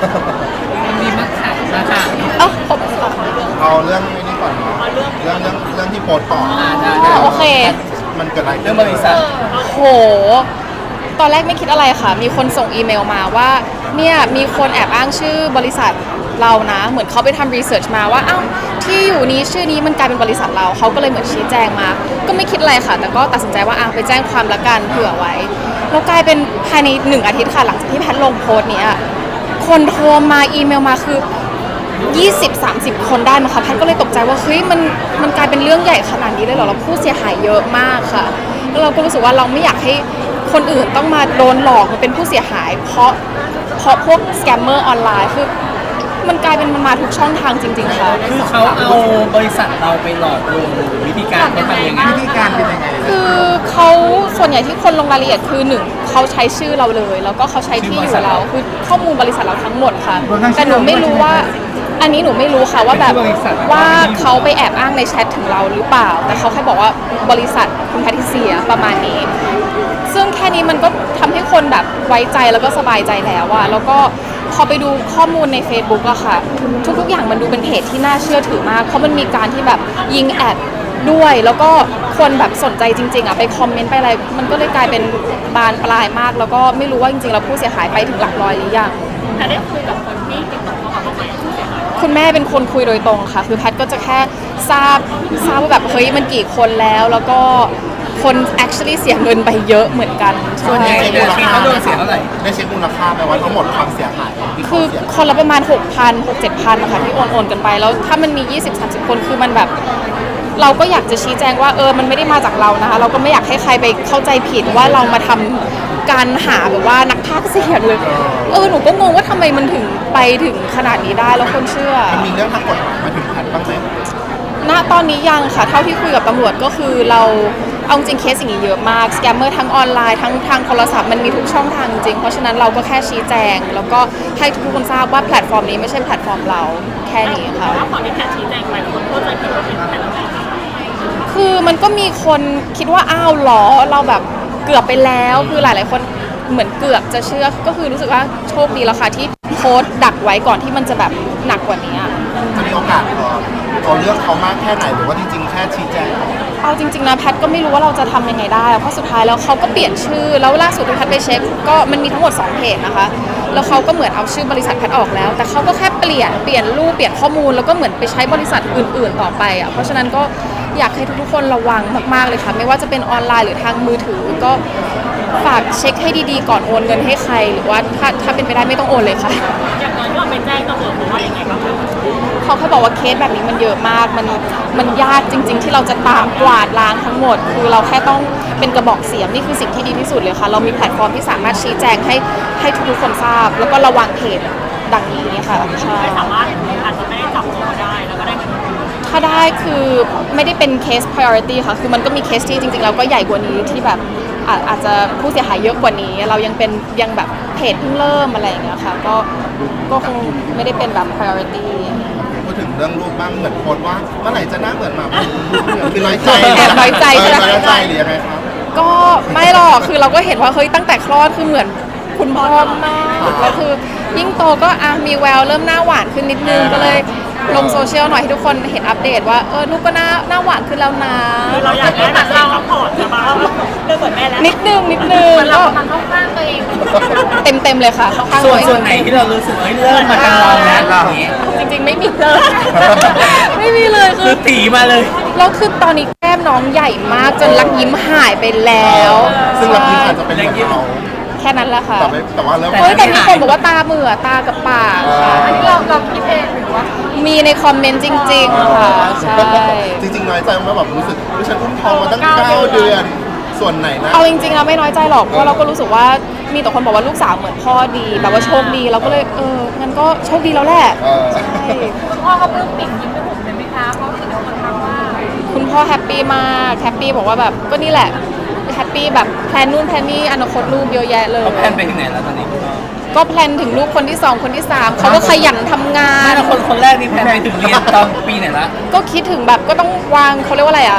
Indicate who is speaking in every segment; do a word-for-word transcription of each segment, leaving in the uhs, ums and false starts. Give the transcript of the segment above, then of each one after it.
Speaker 1: มีมักขายมาค่ะ
Speaker 2: เอ้าผม
Speaker 3: เอาเรื่องนี้ก่อนเนาะเรื่องเรื่องเรื่องที่โพสต์ก่อน
Speaker 2: โอเค
Speaker 3: มันเกิดอะไร
Speaker 1: เรื่องบริษัท
Speaker 2: โหตอนแรกไม่คิดอะไรค่ะมีคนส่งอีเมลมาว่าเนี่ยมีคนแอบอ้างชื่อบริษัทเรานะเหมือนเขาไปทำรีเสิร์ชมาว่าอ้าวที่อยู่นี้ชื่อนี้มันกลายเป็นบริษัทเราเขาก็เลยเหมือนชี้แจงมาก็ไม่คิดอะไรค่ะแต่ก็ตัดสินใจว่าอ่ะไปแจ้งความละกันเผื่อไว้แล้วกลายเป็นภายในหนึ่งอาทิตย์ค่ะหลังจากที่แพทลงโพสต์เนี้ยคนโทรมาอีเมลมาคือยี่สิบ สามสิบ คนได้มั้งคะแพทก็เลยตกใจว่าเฮ้ยมันมันกลายเป็นเรื่องใหญ่ขนาดนี้เลยเหรอเราผู้เสียหายเยอะมากค่ะแล้วเราก็รู้สึกว่าเราไม่อยากให้คนอื่นต้องมาโดนหลอกมาเป็นผู้เสียหายเพราะเพราะพวกสแกมเมอร์ออนไลน์คือมันกลายเป็นมันมาทุกช่องทางจริงๆค่ะ
Speaker 1: คือเขาเอาบริษัทเราไปหลอกลวงวิธีการเขาทำยังไง
Speaker 3: วิธีการเป็นยังไง
Speaker 2: คือเขาส่วนใหญ่ที่คนลงรายละเอียดคือหนึ่งเขาใช้ชื่อเราเลยแล้วก็เขาใช้ที่อยู่เราคือข้อมูลบริษัทเราทั้งหมดค่ะแต่หนูไม่รู้ว่าอันนี้หนูไม่รู้ค่ะว่าแบบว่าเขาไปแอบอ้างในแชทถึงเราหรือเปล่าแต่เขาแค่บอกว่าบริษัทคุณแพทิเซียประมาณนี้ซึ่งแค่นี้มันก็ทำให้คนแบบไว้ใจแล้วก็สบายใจแล้วอะแล้วก็พอไปดูข้อมูลใน Facebook อะค่ะทุกๆอย่างมันดูเป็นเพจที่น่าเชื่อถือมากเพราะมันมีการที่แบบยิงแอดด้วยแล้วก็คนแบบสนใจจริงๆอะไปคอมเมนต์ไปอะไรมันก็เลยกลายเป็นบานปลายมากแล้วก็ไม่รู้ว่าจริงๆแล้วผู้เสียหายไปถึงหลักร้อยหรือยัง
Speaker 4: แต่ได้คุยกับคนที่ติดต่อเข้ามาบ้างไหม
Speaker 2: คุณแม่เป็นคนคุยโดยตรงค่ะคือแพทก็จะแค่ทราบทราบว่าแบบเฮ้ยมันกี่คนแล้วแล้วก็คน actually เสียเงินไปเยอะเหมือนกัน
Speaker 1: ส่วนใหญ่เขาโดนเสียเท่าไหร่
Speaker 3: ได้เช็คมูลค่าไปว่าทั้งหมดความเสียหาย
Speaker 2: คือคนละประมาณ หกพัน หกเจ็ดพัน นะคะที่โอนโอนกันไปแล้วถ้ามันมี ยี่สิบ สามสิบ คนคือมันแบบเราก็อยากจะชี้แจงว่าเออมันไม่ได้มาจากเรานะคะเราก็ไม่อยากให้ใครไปเข้าใจผิดว่าเรามาทำการหาแบบว่านักพากย์เสียงเลยเออหนูก็งงว่าทำไมมันถึงไปถึงขนาดนี้ได้แล้วคนเชื่อ
Speaker 3: มันมีเรื่องทางกฎหมายมาถึงแพทบ้างไหม
Speaker 2: ณตอนนี้ยังค่ะเท่าที่คุยกับตำรวจก็คือเราเอาจริงเคสอย่างนี้เยอะมากสแกมเมอร์ทั้งออนไลน์ทั้งทางโทรศัพท์มันมีทุกช่องทางจริงเพราะฉะนั้นเราก็แค่ชี้แจงแล้วก็ให้ทุกคนทราบว่าแพลตฟอร์มนี้ไม่ใช่แพลตฟอร์มเราแค่นี้ค่ะ
Speaker 4: แล้วพอที่แพทชี้แจงไปคนเข้าใจผิดว่าเป็นแพทอะไร
Speaker 2: คือมันก็มีคนคิดว่าอ้าวหรอเราแบบเกือบไปแล้วคือหลายๆคนเหมือนเกือบจะเชื่อก็คือรู้สึกว่าโชคดีแล้วค่ะที่โพสต์ดักไว้ก่อนที่มันจะแบบหนักกว่านี้
Speaker 3: จะมีโอกาสเอาเรื่องเขามากแค่ไหนหรือว่าจริงๆแค่ชี้แจง
Speaker 2: เอาจริงๆนะแพทก็ไม่รู้ว่าเราจะทำยังไงได้เพราะสุดท้ายแล้วเขาก็เปลี่ยนชื่อแล้วล่าสุดที่แพทไปเช็คก็มันมีทั้งหมดสองเพจนะคะแล้วเขาก็เหมือนเอาชื่อบริษัทแพทออกแล้วแต่เขาก็แค่เปลี่ยนเปลี่ยนรูปเปลี่ยนข้อมูลแล้วก็เหมือนไปใช้บริษัทอื่นๆต่อไปอ่ะเพราะฉะนั้นก็อยากให้ทุกๆคนระวังมากๆเลยค่ะไม่ว่าจะเป็นออนไลน์หรือทางมือถือก็ฝากเช็คให้ดีๆก่อนโอนเงินให้ใครหรือว่าถ้าถ้าเป็นไปได้ไม่ต้องโอนเลยค่ะ
Speaker 4: อย่างตอนที่เราไปแจ้งตำรวจบอกว่ายังไงบ้าง
Speaker 2: เขาแค่บอกว่าเคสแบบนี้มันเยอะมากมันมันยากจริงๆที่เราจะตามกวาดล้างทั้งหมดคือเราแค่ต้องเป็นกระบอกเสียงนี่คือสิ่งที่ดีที่สุดเลยค่ะเรามีแพลตฟอร์มที่สามารถชี้แจงให้ให้ทุกคนทราบแล้วก็ระวังเพจดังนี้ค่ะใช่
Speaker 4: ไม่สามารถอาจจะไม่ได้จับตัวได้แล้วก็ได้
Speaker 2: ถ้าได้คือไม่ได้เป็นเคส priority ค่ะคือมันก็มีเคสที่จริงๆแล้วก็ใหญ่กว่านี้ที่แบบอาจจะผู้เสียหายเยอะกว่านี้เรายังเป็นยังแบบเพจเพิ่งเริ่มอะไรอย่างเงี้ยค่ะก็ก็คงไม่ได้เป็นแบบ priority
Speaker 3: พูดถึงเรื่องรูปบ้างเหมือนโพสว่าเมื่อไหร่จะหน้าเหมือนหมาคือน้อยใจ
Speaker 2: แอบน้อยใจใช่ไหม
Speaker 3: น้อยใจหรือยังไงครับ
Speaker 2: ก็ไม่หรอกคือเราก็เห็นว่าเฮ้ยตั้งแต่คลอดคือเหมือนคุณพ่อมากแล้วคือยิ่งโตก็อ่ะมีแววเริ่มหน้าหวานขึ้นนิดนึงก็เลยลงโซเชียลหน่อยให้ทุกคนเห็นอัปเดตว่าเออลูกก็หน้าหน้าหวานขึ้นแล้วนะ
Speaker 4: เราอยากได้แบบเราซัพพอร์ตจะมาเรื่องเหมือนแม่แล้ว
Speaker 2: นิดนึงนิดนึง
Speaker 4: เรามันเข้าข้างตัวเอง
Speaker 2: เต็มเต็มเลยค่ะ
Speaker 1: ส่วนส่วนไหนที่เรารู้สึกเฮ้ยเริ่มมาทางเราแล้ว
Speaker 2: จริงๆไม่มีเลยไม่มีเลย
Speaker 1: คือตีมาเลย
Speaker 2: แล้วคือตอนนี้แก้มน้องใหญ่มากจนรักยิ้มหายไปแล้ว
Speaker 3: ซึ่งรักยิ้มอาจจะเป็นเรื่องเรา
Speaker 2: แค่นั้นแหละค่ะ
Speaker 3: แต่ว่าเริ่ม
Speaker 2: เฮ้ยแต่มีคนบอกว่าตาเหมือตากับปาก
Speaker 4: อันนี้เราเราคิดเองหรือว่า
Speaker 2: มีในคอมเมนต์จริงๆค่ะใช่
Speaker 3: จริงๆน้อยใจไหมแบบรู้สึกว่าฉันอุ้มท้องมาตั้งเก้าเดือนส่วนไหนนะ
Speaker 2: เอาจริงๆเราไม่น้อยใจหรอกเพราะเราก็รู้สึกว่ามีแต่คนบอกว่าลูกสาวเหมือนพ่อดีแบบว่าโชคดีเราก็เลยเอองั้นก็โชคดีแล้วแหละใช่
Speaker 4: คุณพ่อก็ปลื้มปิ่มยิ้มไปหมดเลยไหมคะเพราะสิ่งที่คนทำว่า
Speaker 2: คุณพ่อแฮปปี้มากแฮปปี้บอกว่าแบบก็นี่แหละแฮปปี้แบบแพลนนู่นแพลนนี่อนาคตลูกเยอะแยะเลย
Speaker 1: เขาแพลนไปถึงไหนแล้วตอนนี้
Speaker 2: ก็แพลนถึงลูกคนที่สองคนที่สามเขาก็ขยันทำงาน
Speaker 1: แล้วคนคนแรกนี่แพลนไปถึงเรียนตอนปีไหนละ
Speaker 2: ก็คิดถึงแบบก็ต้องวางเขาเรียกว่าอะไรอ่ะ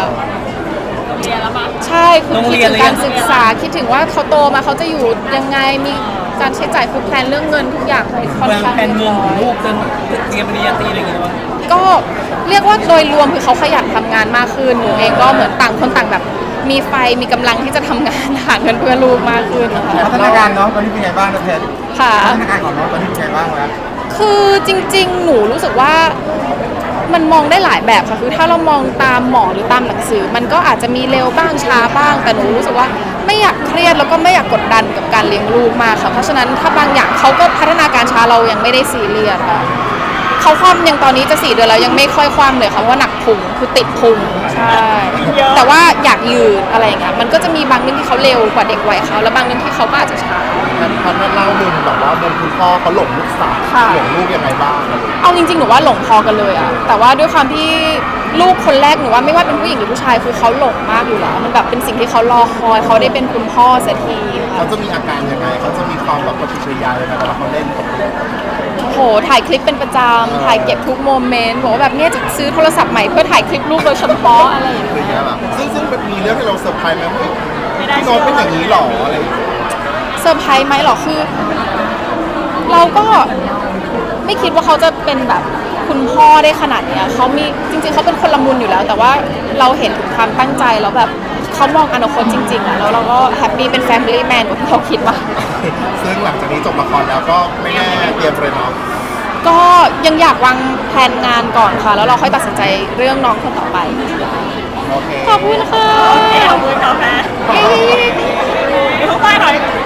Speaker 4: เรียนแล้วมั้ง
Speaker 2: ใช่คือคิดถึงการศึกษาคิดถึงว่าเขาโตมาเขาจะอยู่ยังไงมีการใช้จ่ายคือแพลนเรื่องเงินทุกอย่างให้ค่อน
Speaker 1: วาง
Speaker 2: ข้าง
Speaker 1: แผนเงินของ
Speaker 2: เรี
Speaker 1: ลู
Speaker 2: ยบ
Speaker 1: ก
Speaker 2: ร้อย
Speaker 1: จนเตรียมปริญญาตรีอะไรอย่างเงี้ยว่า
Speaker 2: ก็เรียกว่าโดยรวมคือเขาขยันทำงานมากขึ้นหนูเองก็เหมือนต่างคนต่างแบบมีไฟมีกำลังที่จะทำงานหาเงินเพื่อลูกมากขึ้นนะคะ
Speaker 3: พัฒนาการน้องตอนนี้เป็นไงบ้างนะเพชร
Speaker 2: ค่ะ
Speaker 3: พัฒนาการของน้องตอนนี้เป็นไงบ้างแล้ว
Speaker 2: คือจริงๆ หนูรู้สึกว่ามันมองได้หลายแบบค่ะคือถ้าเรามองตามหมอหรือตามหนังสือ มันก็อาจจะมีเร็วบ้างช้าบ้าง แต่หนูรู้สึกว่าไม่อยากเครียดแล้วก็ไม่อยากกดดันกับการเลี้ยงลูกมากค่ะเพราะฉะนั้นถ้าบางอย่างเขาก็พัฒนาการช้าเรายังไม่ได้ซีเรียสค่ะเขาคว่ำยังตอนนี้จะสี่เดือนแล้วยังไม่ค่อยคว่ำเลยค่ะเพราะว่าหนักพุงคือติดพุงใช่แต่ว่าอยากยืนอะไรอย่างเงี้ยมันก็จะมีบางเรื่องที่เขาเร็วกว่าเด็กวัยเขาแล้วบางเรื่องที่เขาก็อาจจะช้า
Speaker 3: พันพันเล่ามุมแบบว่ามุมคุณพ่อเขาหลงลูกสาว
Speaker 2: ค่ะ
Speaker 3: หลงลูกยังไงบ้างอะไรอย่างเงี้ย
Speaker 2: เอาจริงๆ หนูว่าหลงพอกันเลยอะแต่ว่าด้วยความที่ลูกคนแรกหนูว่าไม่ว่าเป็นผู้หญิงหรือผู้ชายคือเขาหลงมากอยู่แล้วมันแบบเป็นสิ่งที่เขารอคอยเขาได้เป็นคุณพ่อเสียทีค่ะ
Speaker 3: เขาจะมีอาการยังไงเขาจะมีความแบบปฏิกิริยายังไงเวลาเขาเล่นกับลูก
Speaker 2: โหถ่ายคลิปเป็นประจำถ่ายเก็บทุกโมเมนต์บอกว่าแบบเนี้ยจะซื้อโทรศัพท์ใหม่เพื่อถ่ายคลิปลูกโดยเฉพาะอะไรอย่าง
Speaker 3: อะไร
Speaker 2: เงี้
Speaker 3: เงี้
Speaker 2: ย
Speaker 3: ยแบบซึ่งซึ่งมันมีเรื่องให้เราเซอร์ไพรส์ไหมว่าพี่น้องเป็นอย่างนี้หรออะไรอย่างเงี้ย
Speaker 2: เซอร์ไพรส์ไหมหรอคือ เราก็ไม่คิดว่าเขาจะเป็นแบบคุณพ่อได้ขนาดเนี้ยเขามีจริงๆเขาเป็นคนละมุนอยู่แล้ว แต่ว่าเราเห็นถึงความตั้งใจแล้วแบบเขามองอนาคตจริงๆอะแล้วเราก็แฮปปี้เป็นแฟมิลี่แมนกว่าที่เขาคิดว่า
Speaker 3: ซึ่งหลังจากนี้จบละครแล้วก็ไม่แน่เตรียมเลยเนาะ
Speaker 2: ก็ยังอยากวางแผนงานก่อนค่ะ แล้วเราค่อยตัดสินใจเรื่องน้องคนต่อไป
Speaker 3: โอเค
Speaker 2: ขอบคุณค่ะ
Speaker 4: ขอบคุณค่ะแม่
Speaker 2: เย้
Speaker 4: ทุกท่านหน่อย